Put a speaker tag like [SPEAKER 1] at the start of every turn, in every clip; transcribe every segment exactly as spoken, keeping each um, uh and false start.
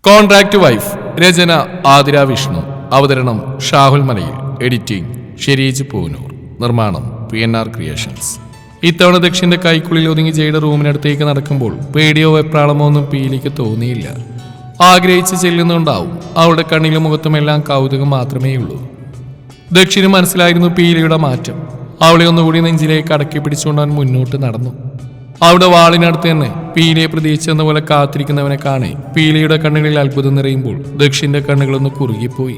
[SPEAKER 1] Contract wife. രചന ആതിര വിഷ്ണു. അവതരണം Shahul Malayil. Editing Shereej Poonoor. നിർമ്മാണം പി എൻ ആർ ക്രിയേഷൻസ്. ഇത്തവണ ദക്ഷിന്റെ കൈക്കുള്ളിൽ ഒതുങ്ങി ജയുടെ റൂമിനടുത്തേക്ക് നടക്കുമ്പോൾ പേടിയോ വെപ്രാളമോ ഒന്നും പീലിക്ക് തോന്നിയില്ല. ആഗ്രഹിച്ച് ചെല്ലുന്നുണ്ടാവും. അവളുടെ കണ്ണിലും മുഖത്തുമെല്ലാം കൗതുകം മാത്രമേ ഉള്ളൂ. ദക്ഷിന് മനസ്സിലായിരുന്നു പീലിയുടെ മാറ്റം. അവളെ ഒന്നുകൂടി നെഞ്ചിലേക്ക് അടക്കി പിടിച്ചുകൊണ്ട് അവൻ മുന്നോട്ട് നടന്നു. അവിടെ വാളിനടുത്ത് തന്നെ പീലിയെ പ്രതീക്ഷിച്ചെന്ന പോലെ കാത്തിരിക്കുന്നവനെ കാണെ പീലിയുടെ കണ്ണുകളിൽ അത്ഭുതം നിറയുമ്പോൾ ദക്ഷിന്റെ കണ്ണുകളൊന്ന് കുറുകിപ്പോയി.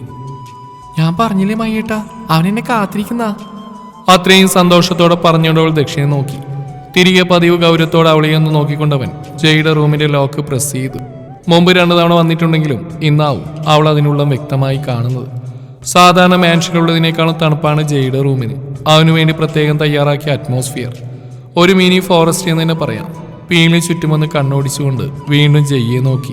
[SPEAKER 1] ഞാൻ പറഞ്ഞില്ലേ മയ്യേട്ടാ, അവനെന്നെ കാത്തിരിക്കുന്ന അത്രയും സന്തോഷത്തോടെ പറഞ്ഞുകൊണ്ടവൾ ദക്ഷിണെ നോക്കി. തിരികെ പതിവ് ഗൗരവത്തോടെ അവളെയൊന്ന് നോക്കിക്കൊണ്ടവൻ ജയുടെ റൂമിന്റെ ലോക്ക് പ്രസ് ചെയ്തു. മുമ്പ് രണ്ടു തവണ വന്നിട്ടുണ്ടെങ്കിലും ഇന്നാവും അവൾ അതിനുള്ള വ്യക്തമായി കാണുന്നത്. സാധാരണ മാൻഷനുള്ളതിനേക്കാളും തണുപ്പാണ് ജയുടെ റൂമിന്. അവനു വേണ്ടി പ്രത്യേകം തയ്യാറാക്കിയ അറ്റ്മോസ്ഫിയർ. ഒരു മിനി ഫോറസ്റ്റ് എന്ന് തന്നെ പറയാം. പീലി ചുറ്റുമൊന്ന് കണ്ണോടിച്ചുകൊണ്ട് വീണ്ടും ജയ്യെ നോക്കി.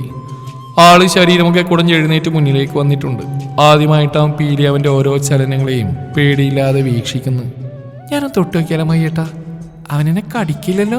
[SPEAKER 1] ആള് ശരീരമൊക്കെ കുടഞ്ഞെഴുന്നേറ്റ് മുന്നിലേക്ക് വന്നിട്ടുണ്ട്. ആദ്യമായിട്ടാവും പീലി അവന്റെ ഓരോ ചലനങ്ങളെയും പേടിയില്ലാതെ വീക്ഷിക്കുന്നു. ഞാനൊന്ന് തൊട്ട് നോക്കിയാലോ മയ്യേട്ടാ, അവനെന്നെ കടിക്കില്ലല്ലോ?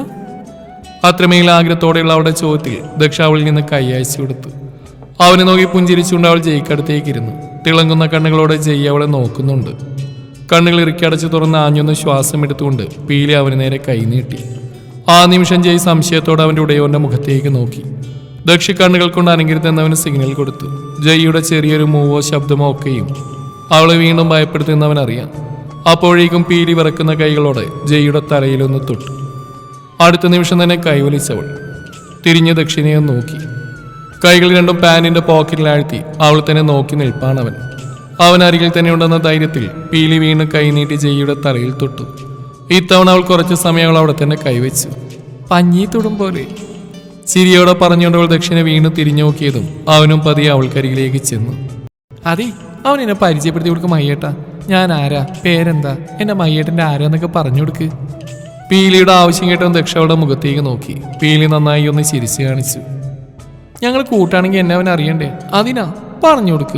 [SPEAKER 1] അത്രമേൽ ആഗ്രഹത്തോടെയുള്ള അവളുടെ ചോദ്യത്തിൽ ദക്ഷ അവളിൽ നിന്ന് കൈയച്ചു കൊടുത്തു. അവനെ നോക്കി പുഞ്ചിരിച്ചുകൊണ്ട് അവൾ ജയ്ക്കടുത്തേക്ക് ഇരുന്നു. തിളങ്ങുന്ന കണ്ണുകളോടെ ജയ് അവളെ നോക്കുന്നുണ്ട്. കണ്ണുകൾ ഇറുക്കിയടച്ച് തുറന്ന് ആഞ്ഞൊന്ന് ശ്വാസം എടുത്തുകൊണ്ട് പീലി അവന് നേരെ കൈനീട്ടി. ആ നിമിഷം ജയ് സംശയത്തോടെ അവന്റെ ഉടയോന്റെ മുഖത്തേക്ക് നോക്കി. ദക്ഷി കണ്ണുകൾ കൊണ്ട് അനങ്ങിരുത്തെന്നവന് സിഗ്നൽ കൊടുത്തു. ജയ്യുടെ ചെറിയൊരു മൂവോ ശബ്ദമോ ഒക്കെയും അവളെ വീണ്ടും ഭയപ്പെടുത്തുന്നവൻ അറിയാം. അപ്പോഴേക്കും പീലി വിറക്കുന്ന കൈകളോടെ ജയ്യുടെ തലയിലൊന്ന് തൊട്ടു. അടുത്ത നിമിഷം തന്നെ കൈവലിച്ചവൾ തിരിഞ്ഞ് ദക്ഷിണയെ നോക്കി. കൈകൾ രണ്ടും പാനിന്റെ പോക്കറ്റിലാഴ്ത്തി അവൾ തന്നെ നോക്കി നിൽപ്പാണവൻ. അവൻ അരികിൽ തന്നെ ഉണ്ടെന്ന ധൈര്യത്തിൽ പീലി വീണ്ടും കൈനീട്ടി ജയ്യുടെ തലയിൽ തൊട്ടു. ഇത്തവണ അവൾ കുറച്ച് സമയം അവൾ അവിടെ തന്നെ കൈവച്ചു. പഞ്ഞി തൊടും പോലെ ചിരിയോടെ പറഞ്ഞുകൊണ്ടവൾ ദക്ഷിണെ വീണ്ടും തിരിഞ്ഞു നോക്കിയതും അവനും പതിയെ അവൾക്കരികിലേക്ക് ചെന്നു. അതെ, അവൻ എന്നെ പരിചയപ്പെടുത്തി കൊടുക്കും മയ്യേട്ടാ. ഞാൻ ആരാ, പേരെന്താ, എന്റെ മയ്യേട്ടന്റെ ആരാന്നൊക്കെ പറഞ്ഞു കൊടുക്ക്. പീലിയുടെ ആവശ്യം കേട്ടവൻ ദക്ഷ അവളുടെ മുഖത്തേക്ക് നോക്കി. പീലി നന്നായി ഒന്ന് ചിരിച്ചു കാണിച്ചു. ഞങ്ങൾ കൂട്ടാണെങ്കിൽ എന്നെ അവൻ അറിയണ്ടേ, അതിനാ പറഞ്ഞു കൊടുക്ക്.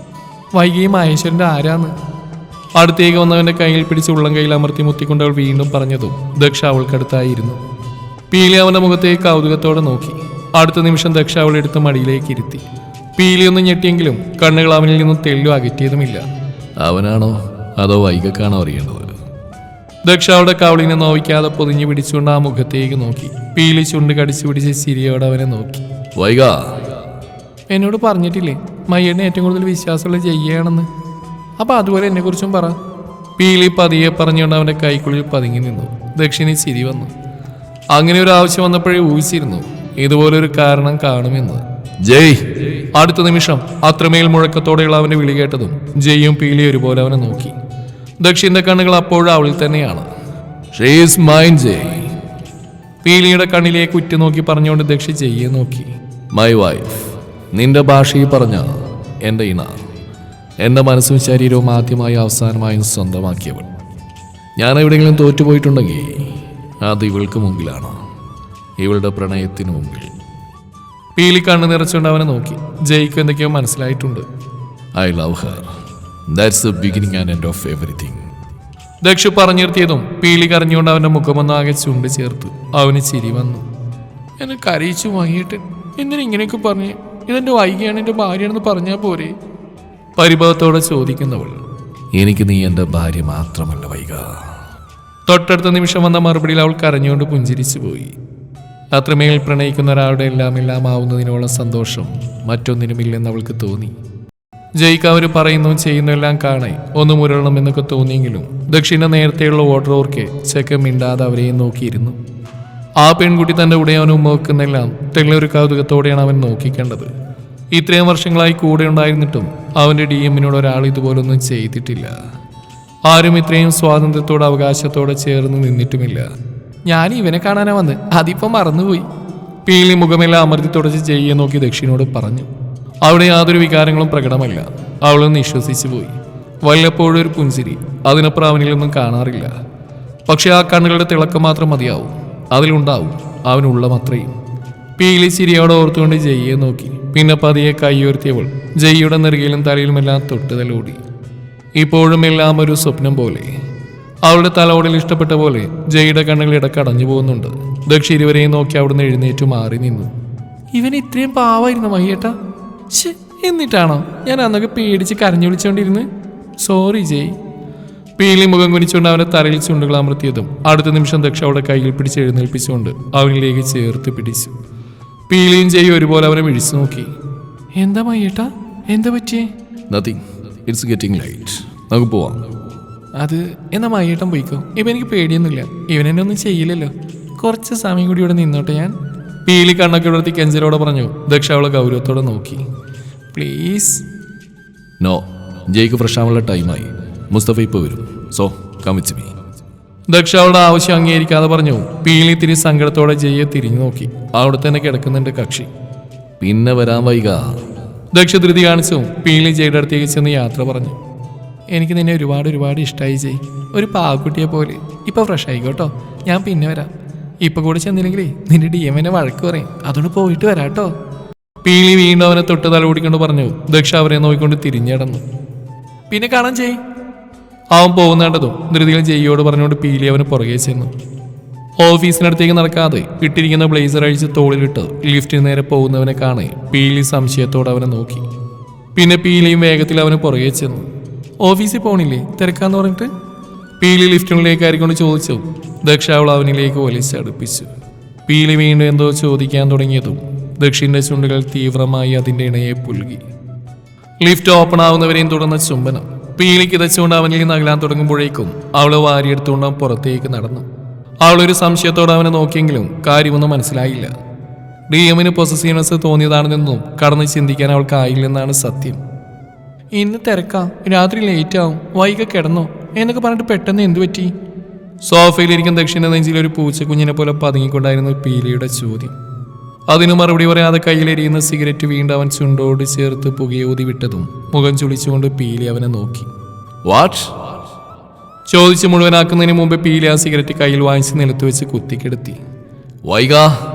[SPEAKER 1] വൈകിയും മഹേശ്വരന്റെ ആരാന്ന് അടുത്തേക്ക് വന്നവന്റെ കയ്യിൽ പിടിച്ച് ഉള്ളം കയ്യിൽ അമർത്തി മുത്തിക്കൊണ്ട് അവൾ വീണ്ടും പറഞ്ഞതും ദക്ഷ അവൾക്കടുത്തായിരുന്നു. പീലി അവന്റെ മുഖത്തേക്ക് കൗതുകത്തോടെ നോക്കി. അടുത്ത നിമിഷം ദക്ഷ അവളെ എടുത്ത് മടിയിലേക്ക് ഇരുത്തി. പീലി ഒന്ന് ഞെട്ടിയെങ്കിലും കണ്ണുകൾ അവനിൽ നിന്നും തെല്ലു അകറ്റിയതുമില്ല. അവനാണോ അതോ വൈകക്കാണോ അറിയേണ്ടത്? ദക്ഷ അവളുടെ കവളിനെ നോവിക്കാതെ പൊതിഞ്ഞു പിടിച്ചുകൊണ്ട് ആ മുഖത്തേക്ക് നോക്കി. പീലി ചുണ്ട് കടിച്ചു പിടിച്ച് ചിരിയോടെ അവനെ നോക്കി. വൈക, എന്നോട് പറഞ്ഞിട്ടില്ലേ മയ്യനെ ഏറ്റവും കൂടുതൽ വിശ്വാസമുള്ള ജയ്യാണെന്ന്? അപ്പൊ അതുപോലെ എന്നെ കുറിച്ചും പറ. പീലി പതിയെ പറഞ്ഞുകൊണ്ട് അവന്റെ കൈക്കുള്ളിൽ പതുങ്ങി നിന്നു. ദക്ഷിണി ചിരി വന്നു. അങ്ങനെ ഒരു ആവശ്യം വന്നപ്പോഴേ ഊഹിച്ചിരുന്നു ഇതുപോലൊരു കാരണം കാണുമെന്ന്. ജയ്! അടുത്ത നിമിഷം അത്രമേൽ മുഴക്കത്തോടെയുള്ള അവന്റെ വിളി കേട്ടതും ജയ്യും പീലി ഒരുപോലെ അവനെ നോക്കി. ദക്ഷിന്റെ കണ്ണുകൾ അപ്പോഴും അവളിൽ തന്നെയാണ്. She is mine Jay. പീലിയുടെ കണ്ണിലേക്ക് ഉറ്റുനോക്കി പറഞ്ഞുകൊണ്ട് ദക്ഷി ജയ്യെ നോക്കി. My wife. നിന്റെ ഭാഷയിൽ പറഞ്ഞ എൻ്റെ ഇണ, എൻ്റെ മനസ്സും ശരീരവും ആദ്യമായി അവസാനമായും സ്വന്തമാക്കിയവൾ. ഞാൻ എവിടെയെങ്കിലും തോറ്റുപോയിട്ടുണ്ടെങ്കിൽ അത് ഇവൾക്ക് മുമ്പിലാണ്, ഇവളുടെ പ്രണയത്തിന് മുമ്പിൽ. പീലി കണ്ണ് നിറച്ചുകൊണ്ട് അവനെ നോക്കി. ജയ്ക്ക് എന്തൊക്കെയോ മനസ്സിലായിട്ടുണ്ട്. I love her. That's the beginning and end of everything. Daksha പറഞ്ഞു നിർത്തിയതും പീലി കരഞ്ഞുകൊണ്ട് അവന്റെ മുഖമൊന്നാകെ ചുണ്ട് ചേർത്തു. അവന് ചിരി വന്നു. എന്നെ കരയിച്ചു വാങ്ങിയിട്ട് എന്തിനാ ഇങ്ങനെയൊക്കെ പറഞ്ഞ്? ഇതെന്റെ വൈകിയാണ്, എന്റെ ഭാര്യയാണെന്ന് പറഞ്ഞാൽ പോരെ? പരിഭവത്തോടെ ചോദിക്കുന്നവൾ. എനിക്ക് നീ എൻ്റെ ഭാര്യ മാത്രമല്ല വൈക. തൊട്ടടുത്ത നിമിഷം വന്ന മറുപടിയിൽ അവൾ കരഞ്ഞുകൊണ്ട് പുഞ്ചിരിച്ചു പോയി. അത്രമേൽ പ്രണയിക്കുന്ന ഒരാളുടെ എല്ലാം എല്ലാം ആവുന്നതിനോളം സന്തോഷം മറ്റൊന്നിനുമില്ലെന്ന് അവൾക്ക് തോന്നി. ജയ്ക്ക് അവർ പറയുന്നു ചെയ്യുന്നതെല്ലാം കാണേ ഒന്ന് മുരളണമെന്നൊക്കെ തോന്നിയെങ്കിലും ദക്ഷിണ നേരത്തെയുള്ള ഓർഡർ ഓർക്കെ ചെക്ക മിണ്ടാതെ അവരെയും നോക്കിയിരുന്നു. ആ പെൺകുട്ടി തന്റെ ഉടയവനും നോക്കുന്നെല്ലാം തെല്ലൊരു കൗതുകത്തോടെയാണ് അവൻ നോക്കിക്കേണ്ടത്. ഇത്രയും വർഷങ്ങളായി കൂടെ ഉണ്ടായിരുന്നിട്ടും അവന്റെ ഡി എമ്മിനോട് ഒരാൾ ഇതുപോലൊന്നും ചെയ്തിട്ടില്ല. ആരും ഇത്രയും സ്വാതന്ത്ര്യത്തോടെ അവകാശത്തോടെ ചേർന്ന് നിന്നിട്ടുമില്ല. ഞാൻ ഇവനെ കാണാനാ വന്ന്, അതിപ്പം മറന്നുപോയി. പീലി മുഖമെല്ലാം അമർത്തി തുടച്ച് ജയ്യെ നോക്കി ദക്ഷിണോട് പറഞ്ഞു. അവിടെ യാതൊരു വികാരങ്ങളും പ്രകടമല്ല. അവളൊന്ന് വിശ്വസിച്ചു പോയി. വല്ലപ്പോഴും ഒരു പുഞ്ചിരി, അതിനപ്പുറം അവനിലൊന്നും കാണാറില്ല. പക്ഷെ ആ കണ്ണുകളുടെ തിളക്കം മാത്രം മതിയാവും. അതിലുണ്ടാവും അവനുള്ള അത്രയും. പീലി ചിരിയോടെ ഓർത്തുകൊണ്ട് ജയ്യെ നോക്കി. പിന്നെ പതിയെ കൈയുയർത്തിയവൾ ജയ്യുടെ നെറുകയിലും തലയിലുമെല്ലാം തൊട്ടുതലോടി. ഇപ്പോഴും എല്ലാം ഒരു സ്വപ്നം പോലെ. അവളുടെ തലോടിൽ ഇഷ്ടപ്പെട്ട പോലെ ജയ്യുടെ കണ്ണുകൾ ഇടക്ക് അടഞ്ഞു പോകുന്നുണ്ട്. ദക്ഷി ഇരുവരെയും നോക്കി അവിടുന്ന് എഴുന്നേറ്റു മാറി നിന്നു. ഇവൻ ഇത്രയും പാവായിരുന്നു മയ്യേട്ടാ. ഛേ, എന്നിട്ടാണോ ഞാൻ അന്നൊക്കെ പേടിച്ച് കരഞ്ഞു വിളിച്ചോണ്ടിരുന്ന്? സോറി ജയ്. പീലി മുഖം കുനിച്ചുകൊണ്ട് അവന്റെ തലയിൽ ചുണ്ടുകൾ അമർത്തിയതും അടുത്ത നിമിഷം ദക്ഷ അവളുടെ കയ്യിൽ പിടിച്ച് എഴുന്നേൽപ്പിച്ചുകൊണ്ട് അവനിലേക്ക് ചേർത്ത് പിടിച്ചു. പീലിയും ജയ് ഒരുപോലെ അവനെ വിഴിച്ചു നോക്കി. എന്താ മയ്യേട്ടാ, എന്താ പറ്റിയേ?
[SPEAKER 2] നത്തിങ്, ഇറ്റ്സ് ഗെറ്റിംഗ് ലൈറ്റ്, നമുക്ക് പോവാം.
[SPEAKER 1] അത് എന്നാ മയ്യേട്ടൻ പോയിക്കോ, ഇപ്പം എനിക്ക് പേടിയൊന്നുമില്ല. ഇവനെന്നെ ഒന്നും ചെയ്യില്ലല്ലോ. കുറച്ച് സമയം കൂടി ഇവിടെ നിന്നോട്ടെ ഞാൻ. പീലി കണ്ണൊക്കെ ഉയർത്തി കെഞ്ചലോടെ പറഞ്ഞു. ദക്ഷ അവളെ ഗൗരവത്തോടെ നോക്കി. പ്ലീസ്.
[SPEAKER 2] നോ, ജയ്ക്ക് ഫ്രഷ് ആവാനുള്ള ടൈമായി. മുസ്തഫ ഇപ്പോൾ വരും, so come with me.
[SPEAKER 1] Daksha അവളുടെ ആവശ്യം അംഗീകരിക്കാതെ പറഞ്ഞു. പീലി തിരി സങ്കടത്തോടെ ജയ്യെ തിരിഞ്ഞു നോക്കി. അവിടെ തന്നെ കിടക്കുന്നുണ്ട് കക്ഷി.
[SPEAKER 2] പിന്നെ വരാൻ വൈക.
[SPEAKER 1] ദക്ഷ ധൃതി കാണിച്ചു പീലി ജയുടെ അടുത്തേക്ക് ചെന്ന് യാത്ര പറഞ്ഞു. എനിക്ക് നിന്നെ ഒരുപാട് ഒരുപാട് ഇഷ്ടമായി ജയ്, ഒരു പാവക്കുട്ടിയെ പോലെ. ഇപ്പൊ ഫ്രഷ് ആയിക്കോട്ടോ, ഞാൻ പിന്നെ വരാം. ഇപ്പൊ കൂടെ ചെന്നില്ലെങ്കിലേ നിന്റെ ഡി എമ്മിനെ വഴക്ക് പറയും, അതുകൊണ്ട് പോയിട്ട് വരാട്ടോ. പീലി വീണ്ടും അവനെ തൊട്ട് തല ഓടിക്കൊണ്ട് പറഞ്ഞു. ദക്ഷ അവരെ നോക്കിക്കൊണ്ട് തിരിഞ്ഞടന്നു. പിന്നെ കാണാൻ ജയ്. അവൻ പോകുന്നതും ധൃതിയിൽ ജയ്യോട് പറഞ്ഞുകൊണ്ട് പീലി അവന് പുറകെ ചെന്നു. ഓഫീസിനടുത്തേക്ക് നടക്കാതെ ഇട്ടിരിക്കുന്ന ബ്ലേസർ അഴിച്ച് തോളിലിട്ട് ലിഫ്റ്റിന് നേരെ പോകുന്നവനെ കാണെ പീലി സംശയത്തോടെ അവനെ നോക്കി. പിന്നെ പീലിയും വേഗത്തിൽ അവന് പുറകെ ചെന്നു. ഓഫീസിൽ പോണില്ലേ, തിരക്കാന്ന് പറഞ്ഞിട്ട്? പീലി ലിഫ്റ്റിനുള്ളിലേക്ക് ആയിക്കൊണ്ട് ചോദിച്ചു. ദക്ഷ അവൾ അവനിലേക്ക് വലിച്ചടുപ്പിച്ചു. പീലി വീണ്ടും എന്തോ ചോദിക്കാൻ തുടങ്ങിയതും ദക്ഷിന്റെ ചുണ്ടുകൾ തീവ്രമായി അതിന്റെ ഇണയെ പുൽകി. ലിഫ്റ്റ് ഓപ്പൺ ആവുന്നവരെയും തുടർന്ന ചുംബനം. പീലി കിതച്ചുകൊണ്ട് അവനിൽ നിന്ന് അകലാൻ തുടങ്ങുമ്പോഴേക്കും അവള് വാരിയെടുത്തുകൊണ്ട് അവൻ പുറത്തേക്ക് നടന്നു. അവളൊരു സംശയത്തോടെ അവനെ നോക്കിയെങ്കിലും കാര്യമൊന്നും മനസ്സിലായില്ല. ഡി എമ്മിന് പൊസസീവ്നെസ് തോന്നിയതാണെന്നും കടന്ന് ചിന്തിക്കാൻ അവൾക്കായില്ലെന്നാണ് സത്യം. ഇന്ന് തിരക്കാം, രാത്രി ലേറ്റ് ആവും, വൈകി കിടന്നോ എന്നൊക്കെ പറഞ്ഞിട്ട് പെട്ടെന്ന് എന്തു പറ്റി? സോഫയിലിരിക്കുന്ന ദക്ഷിണ നെഞ്ചിൽ ഒരു പൂച്ചക്കുഞ്ഞിനെ പോലെ പതുങ്ങിക്കൊണ്ടായിരുന്നു പീലിയുടെ ചോദ്യം. അതിന് മറുപടി പറയാതെ കയ്യിലെരിയുന്ന സിഗരറ്റ് വീണ്ടും അവൻ ചുണ്ടോട് ചേർത്ത് പുകയൂതി വിട്ടതും മുഖം ചുളിച്ചുകൊണ്ട് പീലി അവനെ നോക്കി.
[SPEAKER 2] വാട്ട്?
[SPEAKER 1] ചോദിച്ച് മുഴുവനാക്കുന്നതിന് മുമ്പ് പീലി ആ സിഗരറ്റ് കയ്യിൽ വാങ്ങിച്ച് നിലത്ത് വെച്ച് കുത്തിക്കെടുത്തി.
[SPEAKER 2] വൈക?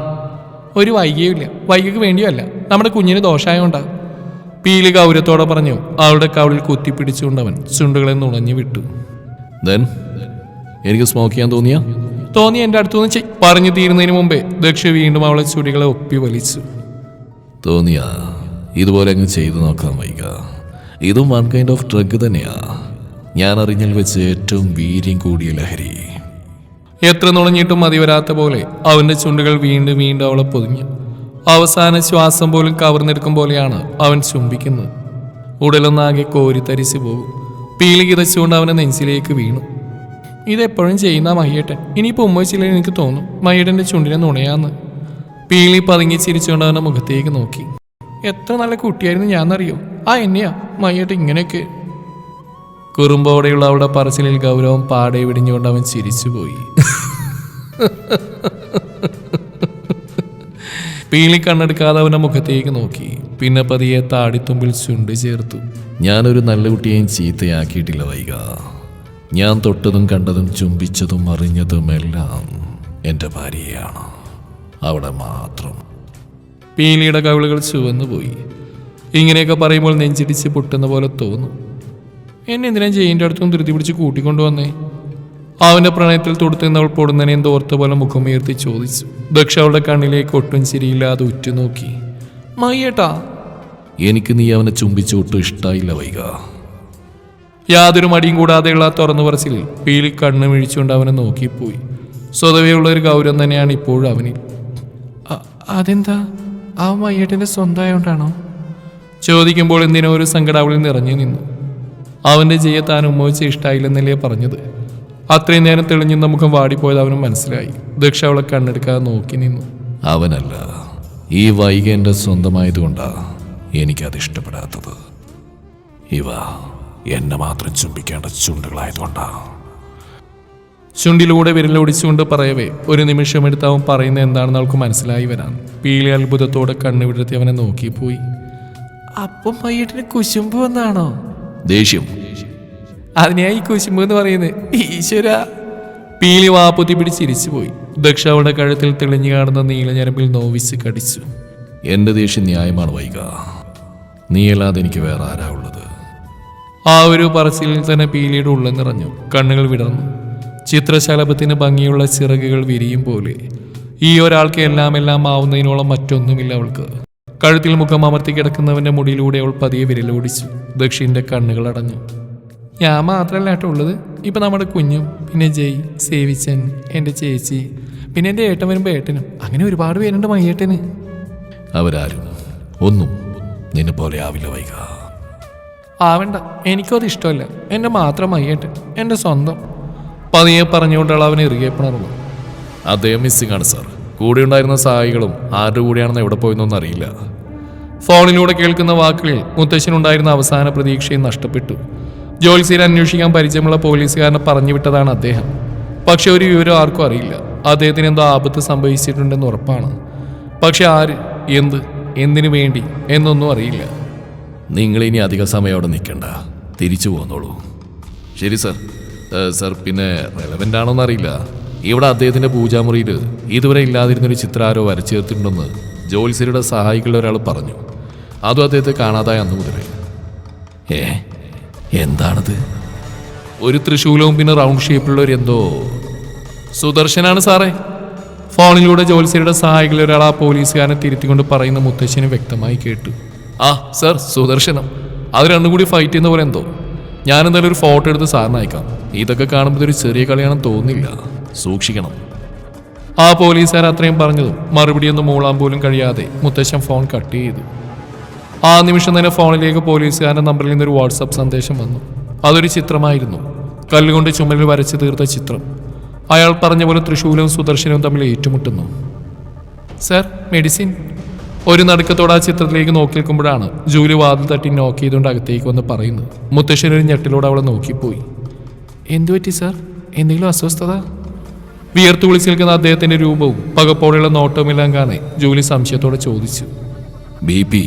[SPEAKER 1] ഒരു വൈകിയുമില്ല, വൈകിക്ക് വേണ്ടിയല്ല, നമ്മുടെ കുഞ്ഞിന് ദോഷായോണ്ടാ. പീലി ഗൗരവത്തോടെ പറഞ്ഞു. അവളുടെ കവിളിൽ കുത്തിപ്പിടിച്ചുകൊണ്ടവൻ ചുണ്ടുകളെ നുണഞ്ഞു വിട്ടു.
[SPEAKER 2] ദെൻ എനിക്ക് സ്മോക്ക് ചെയ്യാൻ തോന്നിയ
[SPEAKER 1] തോന്നി എൻ്റെ അടുത്തുനിന്ന് ചെയ് പറഞ്ഞു തീരുന്നതിന് മുമ്പേ ദക്ഷ വീണ്ടും അവളെ ചുടികളെ ഒപ്പി വലിച്ചു.
[SPEAKER 2] തോന്നിയ ഇതുപോലെ അങ്ങ് ചെയ്തു നോക്കാം വൈക. ഇതും വൺ കൈൻഡ് ഓഫ് ഡ്രഗ് തന്നെയാ. ഞാൻ അറിഞ്ഞാൽ വെച്ച് ഏറ്റവും വീര്യം കൂടിയ ലഹരി.
[SPEAKER 1] എത്ര നുണഞ്ഞിട്ടും മതി വരാത്ത പോലെ അവന്റെ ചുണ്ടുകൾ വീണ്ടും വീണ്ടും അവളെ പൊതിഞ്ഞു. അവസാന ശ്വാസം പോലും കവർന്നെടുക്കും പോലെയാണ് അവൻ ചുംബിക്കുന്നത്. ഉടലൊന്നാകെ കോരിത്തരിച്ചു പോകും. പീലി കിതച്ചുകൊണ്ട് അവനെ നെഞ്ചിലേക്ക് വീണു. ഇതെപ്പോഴും ചെയ്യുന്ന മയ്യേട്ടൻ. ഇനിയിപ്പോൾ ഉമ്മ വെച്ചില്ലേ എനിക്ക് തോന്നും മയ്യേട്ടൻ്റെ ചുണ്ടിനെ നുണയാന്ന്. പീലി പതുങ്ങി ചിരിച്ചുകൊണ്ട് അവൻ്റെ മുഖത്തേക്ക് നോക്കി. എത്ര നല്ല കുട്ടിയായിരുന്നു ഞാന്നറിയോ? ആ എന്നെയാ മയ്യേട്ടൻ ഇങ്ങനെയൊക്കെ. കുറുമ്പോടെയുള്ള അവളുടെ പറച്ചിലിൽ ഗൗരവം പാടെ വിടിഞ്ഞുകൊണ്ട് അവൻ ചിരിച്ചുപോയി. പീലി കണ്ണെടുക്കാതെ അവൻ്റെ മുഖത്തേക്ക് നോക്കി. പിന്നെ പതിയെ താടിത്തുമ്പിൽ ചുണ്ട് ചേർത്തു.
[SPEAKER 2] ഞാനൊരു നല്ല കുട്ടിയെയും ചീത്തയാക്കിയിട്ടില്ല വൈക. ഞാൻ തൊട്ടതും കണ്ടതും ചുംബിച്ചതും അറിഞ്ഞതും എല്ലാം എൻ്റെ ഭാര്യയാണ്, അവിടെ മാത്രം.
[SPEAKER 1] പീലിയുടെ കവിളുകൾ ചുവന്നുപോയി. ഇങ്ങനെയൊക്കെ പറയുമ്പോൾ നെഞ്ചിടിച്ച് പൊട്ടുന്ന പോലെ തോന്നും. എന്നെ എന്തിനാ ജയിൻ്റെ അടുത്തും ധൃതി പിടിച്ച് കൂട്ടിക്കൊണ്ടുവന്നേ? അവൻ്റെ പ്രണയത്തിൽ തൊടുത്തുനിന്നവൾ പൊടുന്നനെ എന്തോർത്ത പോലെ മുഖമുയർത്തി ചോദിച്ചു. ദക്ഷ അവളുടെ കണ്ണിലേക്ക് ഒട്ടും ചിരിയില്ലാതെ ഉറ്റുനോക്കി. മയ്യേട്ടാ,
[SPEAKER 2] എനിക്ക് നീ അവനെ ചുംബിച്ച് ഒട്ടും ഇഷ്ടമായില്ല വൈക.
[SPEAKER 1] യാതൊരു മടിയും കൂടാതെയുള്ള തുറന്നു പറച്ചിൽ പീലി കണ്ണ് മിഴിച്ചുകൊണ്ട് അവനെ നോക്കിപ്പോയി. സ്വതവേയുള്ള ഒരു ഗൗരവം തന്നെയാണ് ഇപ്പോഴും അവനിൽ. അതെന്താ, ആ മയ്യേട്ടൻ്റെ സ്വന്തമായോണ്ടാണോ? ചോദിക്കുമ്പോൾ എന്തിനോ ഒരു സങ്കടം അവളിൽ നിറഞ്ഞു നിന്നു. അവൻ്റെ ജയ താൻ ഉമ്മ വെച്ച് ഇഷ്ടമായില്ലെന്നല്ലേ പറഞ്ഞത്. അത്രയും നേരം തെളിഞ്ഞുന്ന മുഖം വാടിപ്പോയത് അവനും മനസ്സിലായി. ദക്ഷ അവളെ കണ്ണെടുക്കാതെ നോക്കി നിന്നു.
[SPEAKER 2] അവനല്ല, ഈ വൈക എൻ്റെ സ്വന്തമായതുകൊണ്ടാ എനിക്കത് ഇഷ്ടപ്പെടാത്തത്. ഇവ എന്നെ മാത്രം ചുംബിക്കേണ്ട ചുണ്ടുകളായതുകൊണ്ടാ.
[SPEAKER 1] ചുണ്ടിലൂടെ വിരലൊടിച്ചുകൊണ്ട് പറയവേ ഒരു നിമിഷം എടുത്ത് അവൻ പറയുന്നത് എന്താണെന്ന് അവൾക്ക് മനസ്സിലായി വരാൻ പീലി അത്ഭുതത്തോടെ കണ്ണു വിടർത്തി അവനെ നോക്കിപ്പോയി. അപ്പം മയ്യേട്ടിന് കുശുമ്പ് വന്നാണോ?
[SPEAKER 2] ദേഷ്യം.
[SPEAKER 1] അതിനെയാ ഈ കുശുമ്പ് എന്ന് പറയുന്നത്. ഈശ്വര. പീലി വാപ്പുത്തി പിടിച്ചിരിച്ചു പോയി. ദക്ഷ അവളുടെ കഴുത്തിൽ തെളിഞ്ഞു കാണുന്ന നീലഞരമ്പിൽ നോവിച്ച് കടിച്ചു.
[SPEAKER 2] എന്റെ ദേഷ്യം ന്യായമാണ് വൈക. നീയല്ലാതെ എനിക്ക് വേറെ ആരാ ഉള്ളത്?
[SPEAKER 1] ആ ഒരു പറച്ചിലിൽ തന്നെ പീലിയുടെ ഉള്ളം നിറഞ്ഞു. കണ്ണുകൾ വിടർന്നു. ചിത്രശലഭത്തിന് ഭംഗിയുള്ള ചിറകുകൾ വിരിയും പോലെ ഈ ഒരാൾക്ക് എല്ലാം എല്ലാം ആവുന്നതിനോളം മറ്റൊന്നുമില്ല അവൾക്ക്. കഴുത്തിൽ മുഖം അമർത്തി കിടക്കുന്നവന്റെ മുടിയിലൂടെ അവൾ പതിയെ വിരലോടിച്ചു. ദക്ഷിന്റെ കണ്ണുകൾ അടഞ്ഞു. ഞാൻ മാത്രമല്ല കേട്ടോ ഉള്ളത്. ഇപ്പൊ നമ്മുടെ കുഞ്ഞും പിന്നെ ജയ്, സേവിച്ചൻ, എൻ്റെ ചേച്ചി, പിന്നെ എൻ്റെ ഏട്ടൻ വരുമ്പോൾ ഏട്ടനും, അങ്ങനെ ഒരുപാട് പേരുണ്ട് മയ്യേട്ടന്.
[SPEAKER 2] അവരാരും ഒന്നും നിന്നെ പോലെ ആവില്ല വൈക.
[SPEAKER 1] ആവണ്ട, എനിക്കും അത് ഇഷ്ടമല്ല. എൻ്റെ മാത്രം മയ്യേട്ടൻ, എൻ്റെ സ്വന്തം. പതിയെ പറഞ്ഞുകൊണ്ടുള്ള അവൻ ഇറുകെ പിണർന്നു.
[SPEAKER 2] അദ്ദേഹം മിസ്സിംഗ് ആണ് സാർ. കൂടെ ഉണ്ടായിരുന്ന സഹായികളും ആരുടെ കൂടെയാണെന്ന് എവിടെ പോയെന്നൊന്നും അറിയില്ല.
[SPEAKER 1] ഫോണിലൂടെ കേൾക്കുന്ന വാക്കുകളിൽ മുത്തശ്ശനുണ്ടായിരുന്ന അവസാന പ്രതീക്ഷയും നഷ്ടപ്പെട്ടു. ജോത്സ്യരെ അന്വേഷിക്കാൻ പരിചയമുള്ള പോലീസുകാരനെ പറഞ്ഞു വിട്ടതാണ് അദ്ദേഹം. പക്ഷെ ഒരു വിവരം ആർക്കും അറിയില്ല. അദ്ദേഹത്തിന് എന്തോ ആപത്ത് സംഭവിച്ചിട്ടുണ്ടെന്ന് ഉറപ്പാണ്. പക്ഷെ ആര്, എന്ത്, എന്തിനു വേണ്ടി എന്നൊന്നും അറിയില്ല.
[SPEAKER 2] നിങ്ങളിനി അധിക സമയം അവിടെ നിൽക്കണ്ട, തിരിച്ചു പോന്നോളൂ. ശരി സാർ. സാർ പിന്നെ റെലവൻ്റ് ആണോന്ന് അറിയില്ല, ഇവിടെ അദ്ദേഹത്തിൻ്റെ പൂജാമുറിയിൽ ഇതുവരെ ഇല്ലാതിരുന്നൊരു ചിത്രം ആരോ വരച്ചു ചേർത്തിട്ടുണ്ടെന്ന് ജോത്സ്യരുടെ സഹായികളുടെ ഒരാൾ പറഞ്ഞു. അതും അദ്ദേഹത്തെ കാണാതായ അന്ന് മുതലേ. ഏ എന്താണത്?
[SPEAKER 1] ഒരു തൃശൂലവും പിന്നെ റൗണ്ട് ഷേപ്പിലുള്ള ഒരു എന്തോ. സുദർശനാണ് സാറേ. ഫോണിലൂടെ ജോത്സ്യരുടെ സഹായികളിൽ ഒരാൾ ആ പോലീസുകാരനെ തിരുത്തിക്കൊണ്ട് പറയുന്ന മുത്തശ്ശന് വ്യക്തമായി കേട്ടു. ആ സാർ, സുദർശനം. അത് രണ്ടും കൂടി ഫൈറ്റ് ചെയ്യുന്ന പോലെ എന്തോ. ഞാനെന്തായാലും ഒരു ഫോട്ടോ എടുത്ത് സാറിന് അയക്കാം. ഇതൊക്കെ കാണുമ്പോൾ ഒരു ചെറിയ കളിയാണെന്ന് തോന്നുന്നില്ല, സൂക്ഷിക്കണം. ആ പോലീസുകാർ അത്രയും പറഞ്ഞതും മറുപടിയൊന്നും മൂളാൻ പോലും കഴിയാതെ മുത്തശ്ശൻ ഫോൺ കട്ട് ചെയ്തു. ആ നിമിഷം തന്നെ ഫോണിലേക്ക് പോലീസുകാരൻ്റെ നമ്പറിൽ നിന്നൊരു വാട്സപ്പ് സന്ദേശം വന്നു. അതൊരു ചിത്രമായിരുന്നു, കല്ലുകൊണ്ട് ചുമലിൽ വരച്ചു തീർത്ത ചിത്രം. അയാൾ പറഞ്ഞ പോലെ തൃശൂലവും സുദർശനവും തമ്മിൽ ഏറ്റുമുട്ടുന്നു. Sir, medicine. ഒരു നടുക്കത്തോടെ ആ ചിത്രത്തിലേക്ക് നോക്കി നിൽക്കുമ്പോഴാണ് ജൂലി വാതിൽ തട്ടി നോക്ക് ചെയ്തുകൊണ്ട് അകത്തേക്ക് വന്ന് പറയുന്നത്. മുത്തശ്ശനൊരു ഞെട്ടിലൂടെ അവളെ നോക്കിപ്പോയി. എന്തുപറ്റി സാർ? എന്തെങ്കിലും അസ്വസ്ഥത? വിയർത്തു വിളിച്ച് നിൽക്കുന്ന അദ്ദേഹത്തിന്റെ രൂപവും പകപ്പോടെയുള്ള നോട്ടവുമെല്ലാം കാണെ ജൂലി സംശയത്തോടെ ചോദിച്ചു.
[SPEAKER 2] ബി പി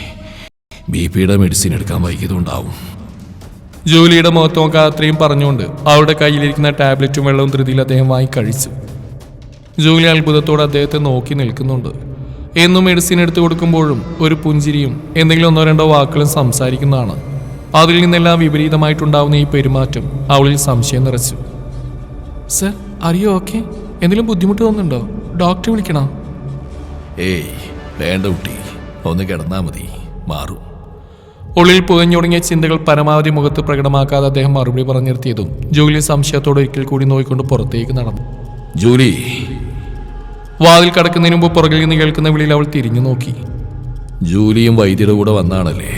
[SPEAKER 2] ബി പിയുടെ മെഡിസിൻ എടുക്കാൻ വൈകിയതുണ്ടാവും.
[SPEAKER 1] ജൂലിയുടെ മുഖത്ത് നോക്കാൻ അത്രയും പറഞ്ഞുകൊണ്ട് അവരുടെ കയ്യിലിരിക്കുന്ന ടാബ്ലറ്റും വെള്ളവും ധൃതിയിൽ അദ്ദേഹം വാങ്ങി കഴിച്ചു. ജൂലി അത്ഭുതത്തോടെ അദ്ദേഹത്തെ നോക്കി നിൽക്കുന്നുണ്ട്. എന്നും മെഡിസിൻ എടുത്തു കൊടുക്കുമ്പോഴും ഒരു പുഞ്ചിരിയും എന്തെങ്കിലും ഒന്നോ രണ്ടോ വാക്കുകളും സംസാരിക്കുന്നതാണ്. അതിൽ നിന്നെല്ലാം വിപരീതമായിട്ടുണ്ടാവുന്ന ഈ പെരുമാറ്റം അവളിൽ സംശയം നിറച്ചു. സർ, അറിയോ ഓക്കെ? എന്തെങ്കിലും ബുദ്ധിമുട്ട് തോന്നുന്നുണ്ടോ? ഡോക്ടറെ വിളിക്കണോ?
[SPEAKER 2] ഏയ് വേണ്ട കുട്ടി, ഒന്ന് കിടന്നാ മതി, മാറും.
[SPEAKER 1] ഉള്ളിൽ പുകഞ്ഞുടങ്ങിയ ചിന്തകൾ പരമാവധി മുഖത്ത് പ്രകടമാക്കാതെ അദ്ദേഹം മറുപടി പറഞ്ഞു നിർത്തിയതും ജൂലി സംശയത്തോടെ ഒരിക്കൽ കൂടി നോക്കിക്കൊണ്ട് പുറത്തേക്ക് നടന്നു.
[SPEAKER 2] ജൂലി.
[SPEAKER 1] വാതിൽ കടക്കുന്നതിന് മുമ്പ് പുറകിൽ നിന്ന് കേൾക്കുന്ന വിളിയിൽ അവൾ തിരിഞ്ഞു നോക്കി.
[SPEAKER 2] ജൂലിയും വൈദ്യരുടെ കൂടെ വന്നാണല്ലേ?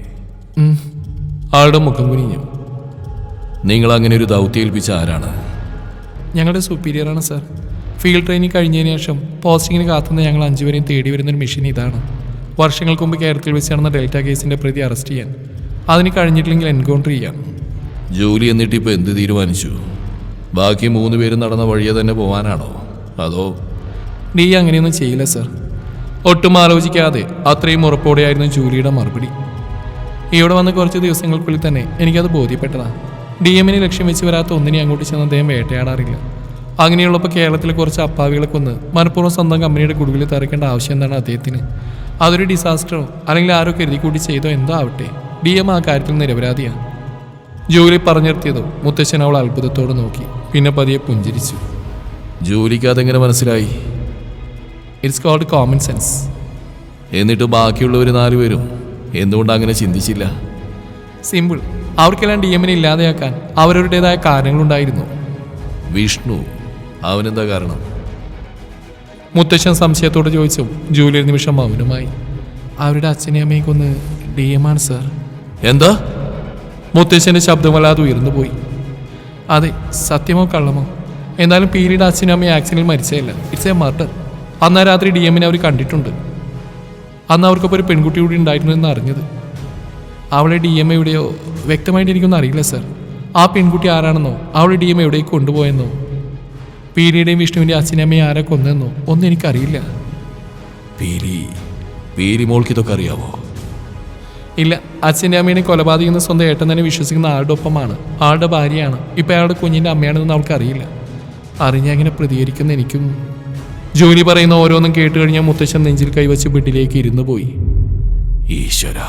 [SPEAKER 1] ആളുടെ മുഖം കുനിഞ്ഞു.
[SPEAKER 2] നിങ്ങൾ അങ്ങനെ ഒരു ദൗത്യം ഏൽപ്പിച്ച ആരാണ്?
[SPEAKER 1] ഞങ്ങളുടെ സുപ്പീരിയറാണ് സാർ. ഫീൽഡ് ട്രെയിനിങ് കഴിഞ്ഞതിന് ശേഷം പോസ്റ്റിങ്ങിന് കാത്തുനിന്ന് ഞങ്ങൾ അഞ്ചുപേരെയും തേടി വരുന്നൊരു മെഷീൻ ഇതാണ്. വർഷങ്ങൾക്ക് മുമ്പ് കേരളത്തിൽ വെച്ച് നടന്ന ഡെൽറ്റ കേസിന്റെ പ്രതി അറസ്റ്റ് ചെയ്യാൻ, അതിന് കഴിഞ്ഞിട്ടില്ലെങ്കിൽ എൻകൗണ്ടർ ചെയ്യാം.
[SPEAKER 2] ജോലി എന്നിട്ട് ഇപ്പോൾ എന്ത് തീരുമാനിച്ചു? ബാക്കി മൂന്ന് പേരും നടന്ന വഴിയെ തന്നെ പോകാനാണോ, അതോ?
[SPEAKER 1] ഡി അങ്ങനെയൊന്നും ചെയ്യില്ല സാർ. ഒട്ടും ആലോചിക്കാതെ അത്രയും ഉറപ്പോടെയായിരുന്നു ജൂലിയുടെ മറുപടി. ഇവിടെ വന്ന കുറച്ച് ദിവസങ്ങൾക്കുള്ളിൽ തന്നെ എനിക്കത് ബോധ്യപ്പെട്ടതാണ്. ഡി എമ്മിനെ ലക്ഷ്യം വെച്ച് വരാത്ത ഒന്നിനെ അങ്ങോട്ട് ചെന്ന് അദ്ദേഹം വേട്ടയാടാറില്ല. അങ്ങനെയുള്ളപ്പോൾ കേരളത്തിലെ കുറച്ച് അപ്പാവികളെ കൊന്ന് മനഃപൂർവ്വം സ്വന്തം കമ്പനിയുടെ കുടുവിൽ തറയ്ക്കേണ്ട ആവശ്യം എന്താണ് അദ്ദേഹത്തിന്? അതൊരു ഡിസാസ്റ്ററോ അല്ലെങ്കിൽ ആരോ കരുതി കൂടി ചെയ്തോ എന്തോ ആവട്ടെ, ഡി എം ആ കാര്യത്തിൽ നിരപരാധിയാണ്. ജോലി പറഞ്ഞിർത്തിയതോ മുത്തശ്ശൻ അവൾ അത്ഭുതത്തോടെ നോക്കി, പിന്നെ പതിയെ പുഞ്ചിരിച്ചു.
[SPEAKER 2] ജോലിക്ക് അതെങ്ങനെ മനസ്സിലായി?
[SPEAKER 1] It's called common sense.
[SPEAKER 2] എന്നിട്ട് ബാക്കിയുള്ളവർ നാലുപേരും എന്തുകൊണ്ട് അങ്ങനെ ചിന്തിച്ചില്ല?
[SPEAKER 1] സിമ്പിൾ. അവർക്കെല്ലാം ഡി എമ്മിനെ ഇല്ലാതെയാക്കാൻ അവരവരുടേതായ കാരണങ്ങളുണ്ടായിരുന്നു.
[SPEAKER 2] വിഷ്ണു, അവനെന്താ കാരണം?
[SPEAKER 1] മുത്തശ്ശൻ സംശയത്തോടെ ചോദിച്ചു. ജൂലി ഒരു നിമിഷം മൗനമായി. അവരുടെ അച്ഛനെയും അമ്മയും കൊന്ന് ഡി എം ആണ് സാർ.
[SPEAKER 2] എന്താ?
[SPEAKER 1] മുത്തശ്ശന്റെ ശബ്ദമല്ലാതെ ഉയർന്നു പോയി. അതെ, സത്യമോ കള്ളമോ, എന്നാലും പീരീഡ് അച്ഛനും അമ്മയും ആക്സിഡന്റിൽ മരിച്ചതല്ല, ഇറ്റ്സ് എ മർഡർ. അന്നാ രാത്രി ഡി എമ്മിനെ അവർ കണ്ടിട്ടുണ്ട്. അന്ന് അവർക്കൊപ്പം ഒരു പെൺകുട്ടി കൂടി ഉണ്ടായിരുന്നു എന്ന് അറിഞ്ഞത്. അവളെ ഡി എം എവിടെയോ വ്യക്തമായിട്ട് എനിക്കൊന്നും അറിയില്ല സാർ. ആ പെൺകുട്ടി ആരാണെന്നോ അവളെ ഡി എം എവിടേക്ക് കൊണ്ടുപോയെന്നോ പീരിയുടെയും വിഷ്ണുവിൻ്റെ അച്ഛനും അമ്മയും ആരെ കൊന്നെന്നോ ഒന്നും എനിക്കറിയില്ല.
[SPEAKER 2] പീരി പീരി മോൾക്ക് ഇതൊക്കെ അറിയാവോ?
[SPEAKER 1] ഇല്ല, അച്ഛൻ്റെ അമ്മേനെ കൊലപാതകം സ്വന്തം ഏട്ടൻ തന്നെ വിശ്വസിക്കുന്ന ആളുടെ ഒപ്പമാണ്, ആളുടെ ഭാര്യയാണ്, ഇപ്പം അയാളുടെ കുഞ്ഞിൻ്റെ അമ്മയാണെന്ന് അവൾക്കറിയില്ല. അറിഞ്ഞാൽ അങ്ങനെ പ്രതികരിക്കുന്ന എനിക്കും. ജോലി പറയുന്ന ഓരോന്നും കേട്ട് കഴിഞ്ഞാൽ മുത്തശ്ശൻ നെഞ്ചിൽ കൈവച്ച് ബെഡിലേക്ക് ഇരുന്നു പോയി.
[SPEAKER 2] ഈശ്വര,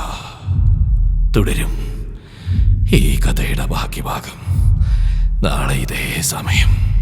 [SPEAKER 2] തുടരും ഈ കഥയുടെ ബാക്കി ഭാഗം നാളെ ഇതേ സമയം.